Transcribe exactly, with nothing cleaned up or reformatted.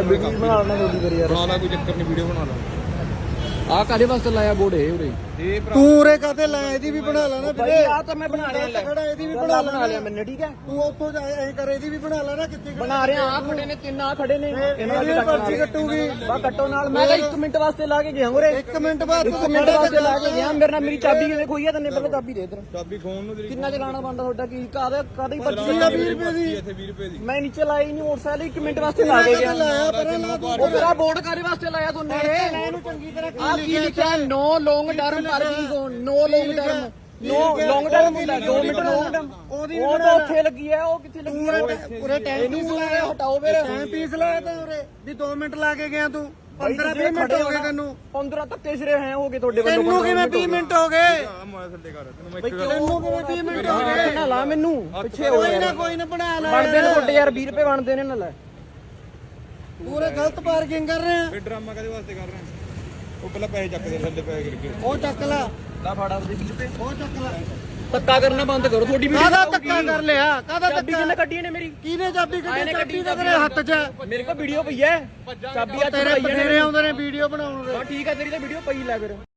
ਬਣਾ ਲੈਣਾ ਜਲਦੀ ਕਰੀ ਯਾਰ। ਬਣਾ ਲਾ ਕੋਈ ਚੱਕਰ ਨਹੀਂ, ਵੀਡੀਓ ਬਣਾ ਲਾ। ਆ ਕਾਦੇ ਵਾਸਤੇ ਲਾਇਆ ਬੋਰਡ ਇਹ ਉਰੇ? ਇਹ ਤੂੰ ਉਰੇ ਕਾਤੇ ਲੈ, ਇਹਦੀ ਵੀ ਬਣਾ ਲੈਣਾ ਭਾਈ ਆ ਤਾਂ ਮੈਂ ਬਣਾ ਲਿਆ, ਖੜਾ ਇਹਦੀ ਵੀ ਬਣਾ ਬਣਾ ਲਿਆ ਮੈਨੇ, ਠੀਕ ਹੈ। ਤੂੰ ਉੱਥੋਂ ਜਾ ਐ ਕਰ, ਇਹਦੀ ਵੀ ਬਣਾ ਲੈਣਾ। ਕਿੱਥੇ ਬਣਾ ਰਿਹਾ ਆ, ਖੜੇ ਨੇ ਤਿੰਨ ਆ ਖੜੇ ਨੇ, ਇਹਨਾਂ ਦੀ ਪਰਚੀ ਕੱਟੂਗੀ। ਬਾ ਕੱਟੋ ਨਾਲ। ਮੈਂ ਤਾਂ ਇੱਕ ਮਿੰਟ ਵਾਸਤੇ ਲਾ ਕੇ ਗਿਆ ਉਰੇ, ਇੱਕ ਮਿੰਟ ਬਾਅਦ ਇੱਕ ਮਿੰਟ ਵਾਸਤੇ ਲਾ ਕੇ ਗਿਆ। ਮੇਰੇ ਨਾਲ ਮੇਰੀ ਚਾਬੀ ਕਿਵੇਂ ਖੋਈ ਆ? ਤੈਨੂੰ ਪਹਿਲਾਂ ਚਾਬੀ ਦੇ ਇਧਰ। ਚਾਬੀ ਖੋਣ ਨੂੰ ਤੇਰੀ ਕਿੰਨਾ ਚਲਾਣਾ ਬੰਦਾ ਤੁਹਾਡਾ? ਕੀ ਕਾਦੇ ਕਾਦੀ ਪਰਚੀ ਆ? ਵੀਹ ਰੁਪਏ ਦੀ। ਇੱਥੇ ਵੀਹ ਰੁਪਏ ਦੀ। ਮੈਂ ਨੀਚੇ ਲਾਈ ਨਹੀਂ ਮੋਟਰਸਾਈਕਲ, ਇੱਕ ਮਿੰਟ ਵਾਸਤੇ ਲਾ ਕੇ ਗਿਆ। ਲਾਇਆ ਪਰ ਲਾ ਤੂੰ। ਉਹ ਤੇਰਾ ਬੋਰਡ ਕਾਦੇ ਵਾਸਤੇ ਲਾਇਆ ਤੂੰ ਨੇ? ਇਹਨੂੰ ਚੰਗੀ ਤਰ੍ਹਾਂ ਆ ਕੀ ਲਿਖਿਆ? No long term parking zone, no long term, no long term ਹੁੰਦਾ ਦੋ ਮਿੰਟ ਲੌਂਗ ਟਰਮ। ਉਹਦੀ ਉਹ ਤਾਂ ਉੱਥੇ ਲੱਗੀ ਹੈ, ਉਹ ਕਿੱਥੇ ਲੱਗੀ ਹੈ? ਉਰੇ ਟਾਈਮ ਇਹਨੂੰ ਪੀਸ ਬੁਲਾਇਆ, ਲਾਇਆ। ਹਟਾਓ ਫਿਰ। ਟਾਈਮ ਪੀਸ ਲਾਇਆ ਤਾਂ ਉਰੇ ਵੀ ਦੋ ਮਿੰਟ ਲਾ ਕੇ ਗਿਆ ਤੂੰ। ਪੰਦਰਾਂ ਵੀਹ ਮਿੰਟ ਹੋ ਗਏ ਤੈਨੂੰ। ਪੰਦਰਾਂ ਧੱਕੇ ਸਿਰੇ ਹੈ ਹੋ ਗਏ ਤੁਹਾਡੇ ਵੱਲੋਂ। ਤੈਨੂੰ ਕਿਵੇਂ ਵੀਹ ਮਿੰਟ ਹੋ ਗਏ? ਆ ਮੋਬਾਈਲ ਥੱਲੇ ਕਰ, ਤੈਨੂੰ ਮੈਂ ਬਈ ਇੱਕ ਗੱਲ ਤੈਨੂੰ ਕਿਵੇਂ ਵੀਹ ਮਿੰਟ ਹੋ ਗਏ? ਨਾ ਲਾ ਮੈਨੂੰ ਪਿੱਛੇ ਹੋ ਕੋਈ ਗਿਆ। ਨਾ ਕੋਈ ਨਾ ਬਣਾ ਲੈ। ਬਣਦੇ ਨੇ ਤੁਹਾਡੇ ਯਾਰ, ਵੀਹ ਰੁਪਏ ਬਣਦੇ ਨੇ ਨਾ। ਲੈ ਪੂਰੇ ਗਲਤ ਪਾਰਕਿੰਗ ਕਰ ਰਹੇ ਆ। ਇਹ ਡਰਾਮਾ ਕਦੇ ਵਾਸਤੇ ਕਰ ਰਹੇ ਉਹ ਪਹਿਲਾਂ ਪੈਸੇ ਚੱਕ ਦੇ, ਥੱਲੇ ਪੈਸੇ ਕਰਕੇ ਉਹ ਚੱਕ ਲੈ, ਲਾ ਫਾੜਾ ਉਹਦੇ ਵੀਹ ਰੁਪਏ। ਉਹ ਚੱਕ ਲੈ। ਧੱਕਾ ਕਰਨਾ ਬੰਦ ਕਰੋ, ਤੁਹਾਡੀ ਵੀਡੀਓ ਕਾਹਦਾ ਧੱਕਾ ਕਰ ਲਿਆ? ਕਾਹਦਾ ਚਾਬੀ ਧੱਕਾ? ਕਿਹਨੇ ਕੱਢੀ ਨੇ ਮੇਰੀ? ਕਿਹਨੇ ਚਾਬੀ ਆਏ ਕੱਢੀ? ਨੇ ਚਾਬੀ ਕੱਢੀ ਤਾਂ ਤੇਰੇ ਹੱਥ 'ਚ ਹੈ। ਮੇਰੇ ਕੋਲ ਵੀਡੀਓ ਪਈ ਹੈ, ਚਾਬੀ ਅੱਜ ਤੇਰੇ ਪਾਈ ਹੈ ਬਟੇਰੇ ਆਉਂਦੇ ਨੇ ਵੀਡੀਓ ਬਣਾਉਣ ਦੇ। ਹਾਂ ਠੀਕ ਹੈ, ਤੇਰੀ ਤਾਂ ਵੀਡੀਓ ਪਈ ਲੈ ਫਿਰ।